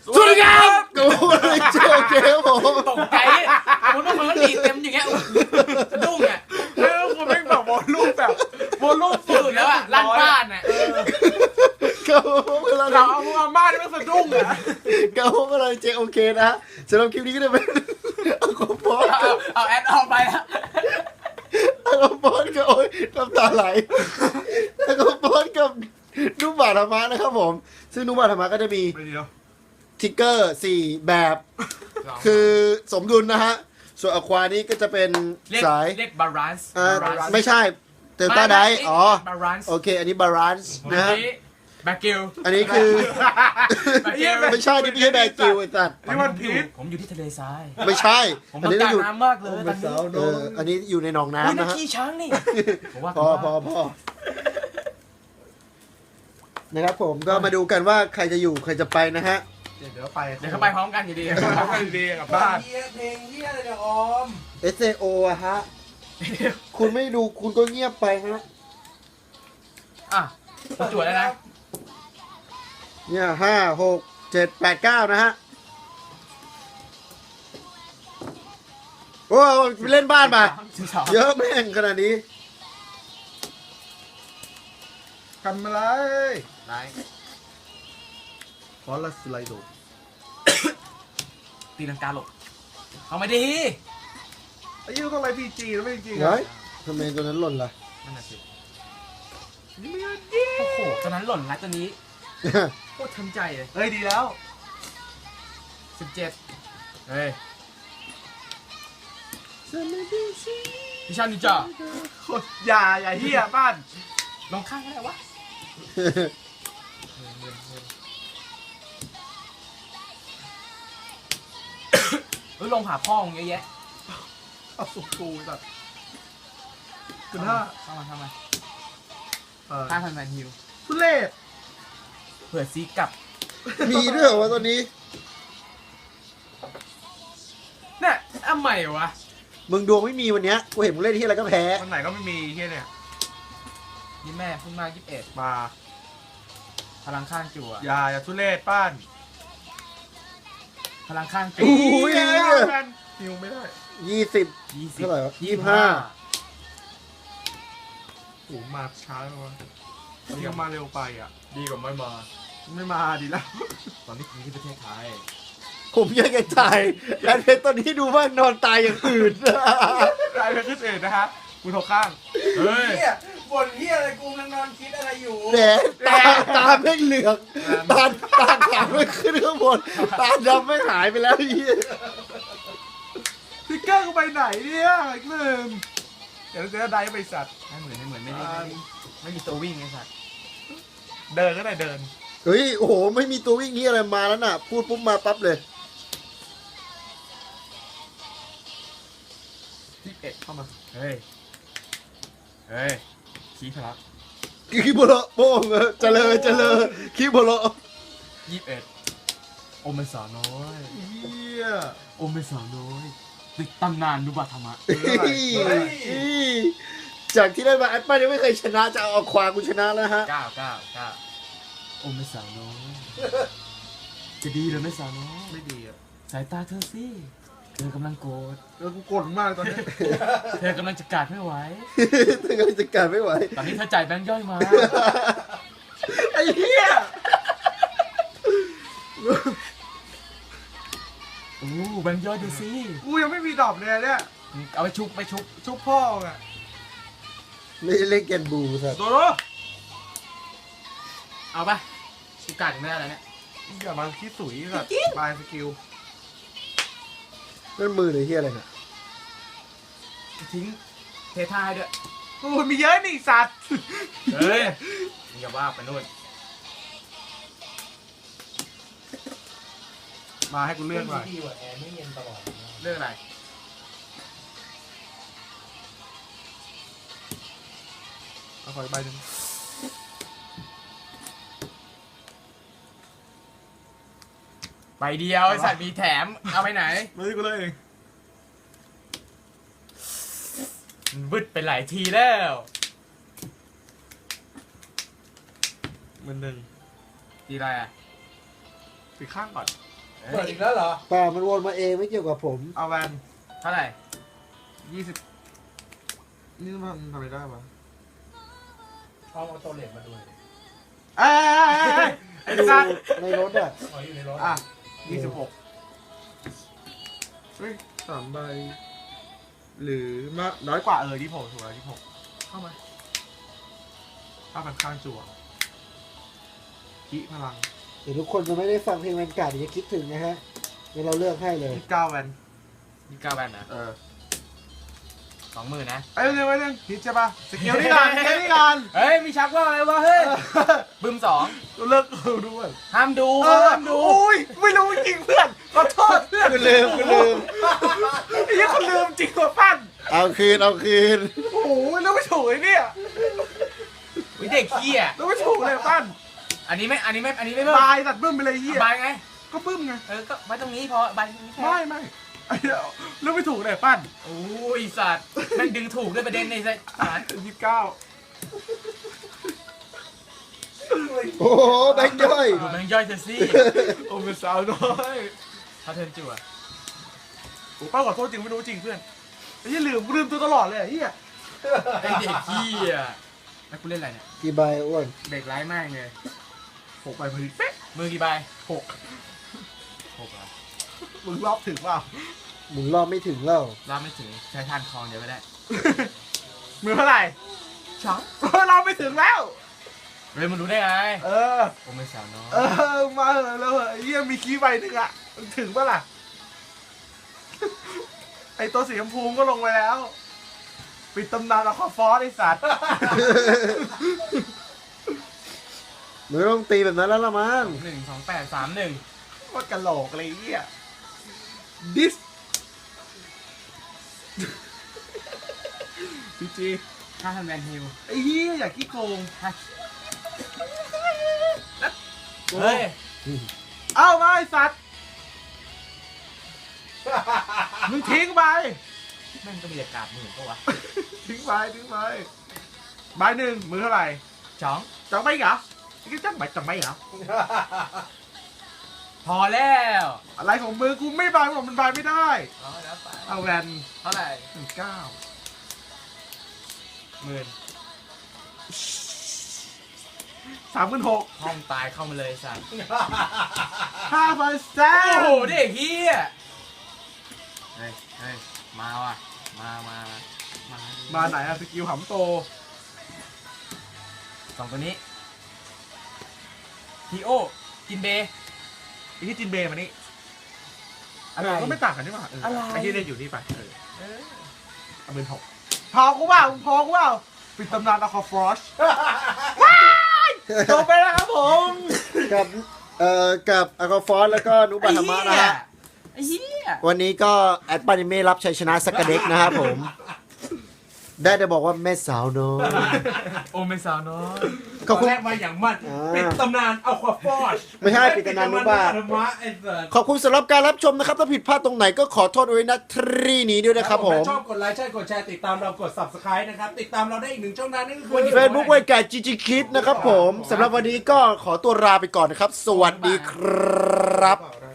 สวัสดีครับกูเลยเจอเกมผมตกใจผมต้องมันดีเต็มอย่างเงี้ยสะดุ้งอ่ะแล้วคุณไม่แบบวอลลุ่มสุสุดดแล้วอ่ะลั่นบ้านอ่ะก็ผมกำลังเราเอามึงอาม่านี่มันสะดุ้งอ่ะก็ผมกำลังเจอโอเคนะฮะสำหรับคลิปนี้ก็จะเป็นเอาของบอสกับเอาแอดออกไปแล้วเอาของบอสกับโอ้ยน้ำตาไหลเอาของบอสกับนุ่มบาธรรมะนะครับผมซึ่งนุ่มบาธรรมะก็จะมีไปเดียวทิกเกอร์4แบบคือสมดุลนะฮะส่วนอควานี้ก็จะเป็นเรียกสายเรียกบาลานซ์ไม่ใช่เตลต้าไดอ๋อบาลานซ์โอเคอันนี้บาลานซ์นะฮะแบกิลอันนี้คือแบกิลไม่ใช่นี่ไม่ใช่แบร์กิวไอ้สัตว์นี่มันพีชผมอยู่ที่ทะเลทรายไม่ใช่ผมอันต้องนี้การอยู่น้ำมากเลยตอนนี้อันนี้อยู่ในหนองอุ้ยน้ำนั่นะนฮะขี้ช้างนี่ผมว่าพอนะครับผมก็มาดูกันว่าใครจะอยู่ใครจะไปนะฮะเดี๋ยวไปเดี๋ยวเขาไปพร้อมกันอยู่ดีทำกันดีกับบ้านเพลงเฮียอะไรเนี่ยออม SAO อะฮะคุณไม่ดูคุณก็เงียบไปฮะอ่ะผมจวดแล้วนะเนี่ย5 6 7 8 9นะฮะโอ้เล่นบ้านมาเยอะแม่งขนาดนี้ทำอะไรไหนฟอลสไลโดตีลังกาหลบเอามาดีไอ้ยี่ต้องไรพีจีแล้วไม่จริงเฮ้ยทำไมตัวนั้นหล่นล่ะนั่นน่ะสินี่ไม่ดีโอ้โหตัวนั้นหล่นแล้วตัวนี้โคตรทันใจเลยเฮ้ยดีแล้ว 17เฮ้ยพิชานินจาอย่าเฮียบ้านลงข้างก็ได้วะเฮ้ยลงผ่าพ่อมึงเยอะแยะเอาสุกกูแบบคือเข้ามา 5,000 แมนฮิวทุเรศเผื่อซีกลับมีด้วยเหรอวะตัวนี้เนี่ยอ้าใหม่วะมึงดวงไม่มีวันเนี้ยกูเห็นมึงเล่นที่อะไรก็แพ้วันไหนก็ไม่มีเฮียเนี่ยนี่แม่เพิ่งมา21 มาพลังข้างจั่วอย่าทุเรศป้านพลังข้างจั่อู้วยนิวไม่ได้ 20 20 เท่าไหร่วะโอ้มาช้าเลยวะยังมาเร็วไปอ่ะดีกว่าไม่มาไม่มาดีแล้วตอนนี้อยู่ที่ประเทศไทยผมยังไงตายแอนเพชรตอนนี้ดูว่านอนตายอย่างอื่นรายเป็นขึ้นเอ็ดนะฮะกูโทรข้างเฮ้ยเฮียบ่นเฮียอะไรกูกำลังนอนคิดอะไรอยู่แหมตาไม่เหลือกตาขาวไม่ขึ้นข้างบนตาดำไม่หายไปแล้วไอ้เหี้ยพิกเกอร์กูไปไหนเนี่ยอีกหนึ่งเดี๋ยวจะได้ไปสัตว์ไม่เหมือนไม่มีตัววิ่งไอ้สัตว์เดินก็ได้เดินเฮ้ยโอ้โหไม่มีตัววิ่งนี้อะไรมาแล้วน่ะ พูดปุ๊บมาปั๊บเลย 11เข้ามาเฮ้ยขี้พลักคิโบโลโป้งเจริญคิโบโล 21โอเมสาวน้อยเฮียโอเมสาวน้อยติดตำนานนุบะธรรมะจากที่ได้มาแอปเปิลยังไม่เคยชนะจะเอาควากูชนะแล้วฮะ 9โอเมสาวน้อยจะดีหรือไม่สาวน้อยไม่ดีอ่ะสายตาเธอสิเธอกำลังโกรธกูกดมากตอนนี้เธอกำลังจะกาดไม่ไหวถึงจะการไม่ไหวตอนนี้เธอจ่ายแบงค์ย่อยมาไอ้เหี้ยโอ้แบงค์ย่อยดูสิกูยังไม่มีดอกเลยเนี่ยเอาไปชุบชุบพ่อไงไม่เล่นแกนบูสัตว์โดโดเอาปะกูกาดยังไม่ได้แล้วเนี่ยอย่ามาคิดสุยสัตว์บายสกิลนั่นมือหรือเฮียอะไรน่ะทิ้งเทท่าให้ด้วยโอ้ยมีเยอะนี่สัตว์เฮ้ยมึงอย่าว่าไปนู่นมาให้กูเลือกหน่อยดีกว่าแอร์ไม่เย็นตลอดเรื่องอะไรเอาขออีกใบหนึ่งใบเดียวไอ้สัตว์มีแถม เอาไปไหนมาที่กูเลยเองบึดไปหลายทีแล้ว 1,000 ทีไรอ่ะปิดข้างก่อนโเปิดอีกแล้วเหรอป่ามันวนมาเองไม่เกี่ยวกับผมเอาแวนเท่าไหร่ 20นี่มันทำไม่ได้ปะเอาตัวเหล็กมาดูหน่อยดิเอ้ยไอ้ดูสัตว์ในรถอ่ะอ๋ออยู่ในรถอ่ะ26เฮ้ย3 ใบ หรือมาน้อยกว่า26ถูกแล้ว26เข้ามา5,000ข้างจั่วขี้พลังเดี๋ยวทุกคนจะไม่ได้ฟังเพลงแวนการ์ดเดี๋ยวจะคิดถึงนะฮะเดี๋ยวเราเลือกให้เลย 29แวน 29แบนนะ 20,000นะเร็วฮิตใช่ปะสกิลนี่ก่อนสกิลนี่ก่อนเฮ้ยมีชักว่าอะไรวะเฮ้ยบึม2 เลิกดูด้วยห้ามดู ห้ามดูโอ้ยไม่รู้จริงเพื่อนขอโทษเพื่อนคุณลืมไอ้ยี่คนลืมจริงกว่าปั้นเอาคืนโอ้โหแล้วไม่ถูกไอ้เนี่ยวิเด็กเหี้ยแล้วไม่ถูกเลยปั้นอันนี้ไม่เบิ่มบายตัดบึ้มไปเลยไอ้เหี้ยบายไงก็บึ้มไงก็ไว้ตรงนี้พอบายตรงนี้แค่ไม่ไอ้เหี้ยแล้วไม่ถูกเลยปั้นโอ้ยสัตว์แม่งดึงถูกด้วยประเด็นในสาร 29 โอ้โหแบงค์ย่อยดูแม่งย่อยเธอสิโอ้เป็นสาวน้อยเขาเทิร์นจั่วโอ้ป้าขอโทษจริงไม่รู้จริงเพื่อนไอ้เหี้ยลืมตัวตลอดเลยไอ้เหี้ยไอเด็กเหี้ยแล้วกูเล่นอะไรเนี่ยกี่ใบอ้วนเด็กไร้ายมากเลย 6 ใบพอดีเป๊ะมือกี่ใบ 6 6เหรอมึงรอบถึงเปล่าหมุนรอบไม่ถึงแล้วรอบไม่ถึงใช้ทานคลองเดี๋ยวก็ได้มือเท่าไหร่ช้องเราไม่ถึงแล้วเฮ้ยมันรู้ได้ไงเออโอ้ไม่สาวน้อยมาเหอะแล้วเหอะไอ้เหี้ยมีคีย์ใบหนึ่งอะถึงปะล่ะ ไอตัวสีชมพูก็ลงไปแล้ว ปิดตำนานละครฟอสไอสัตว์มันต้องตีแบบนั้นแล้วละมั้ง 12831 โคตรกะโหลกเลยไอ้เหี้ยดิสพีจี 5,000แวนฮิลไอ้เหี้ยอยากขี้โกงเฮ้ยเอ้ามาไอสัตว์ มึงทิ้งไปแม่งก็มีแต่กาบหมื่นปะวะทิ้งไปใบหนึ่งมือเท่าไหร่ช้องจังไม่เหรอนี่จังไม่เหรอพอแล้วอะไรของมือกูไม่บายบอกมันบายไม่ได้เอาแล้วไปเอาแวนเท่าไหร่ 19 10,000 36,000 ห้องตายเข้ามาเลยสัตว์ 5,000แซโอ้มโหเด็กเฮียเฮ้ยมาว่ะมามาไหนอะสกิลหำโตสองตัวนี้ทีโอกินเบย์ไอ้ที่จินเบย์มานี่อะไรก็ไม่ต่างกันนี่หว่าอะไรไอ้ที่เล่นอยู่นี่ไปเอาเป็น6พอกูเปล่าปิดตำนานอะคอฟรอชจบไปแล้วครับผมกับกับอากาฟอสแล้วก็นุบัตธรรมะนะฮะไอ้เหี้ยวันนี้ก็แอดปานิเมะรับชัยชนะสักกะเด็กนะครับผม ได้แต่บอกว่าแม่สาวน้อยโอ้ไม่สาวน้อยขอบคุณแรกมาอย่างมันอ่าปิดตำนานเอาควาฟอชไม่ใช่ปิดตำนานนุบาทธรรมะไอ้เสิร์ตขอบคุณสำหรับการรับชมนะครับ ถ้าผิดพลาดตรงไหนก็ขอโทษไว้นะทรีนี้ด้วยนะครับผมชอบกดไลค์ใช่กดแชร์ติดตามเรากด subscribe นะครับ ติดตามเราได้อีกหนึ่งช่องทางนั่นก็คือ Facebook ไว้แก่จีจีคิดนะครับผมสำหรับวันนี้ก็ขอตัวลาไปก่อนนะครับ สวัสดีครับเรา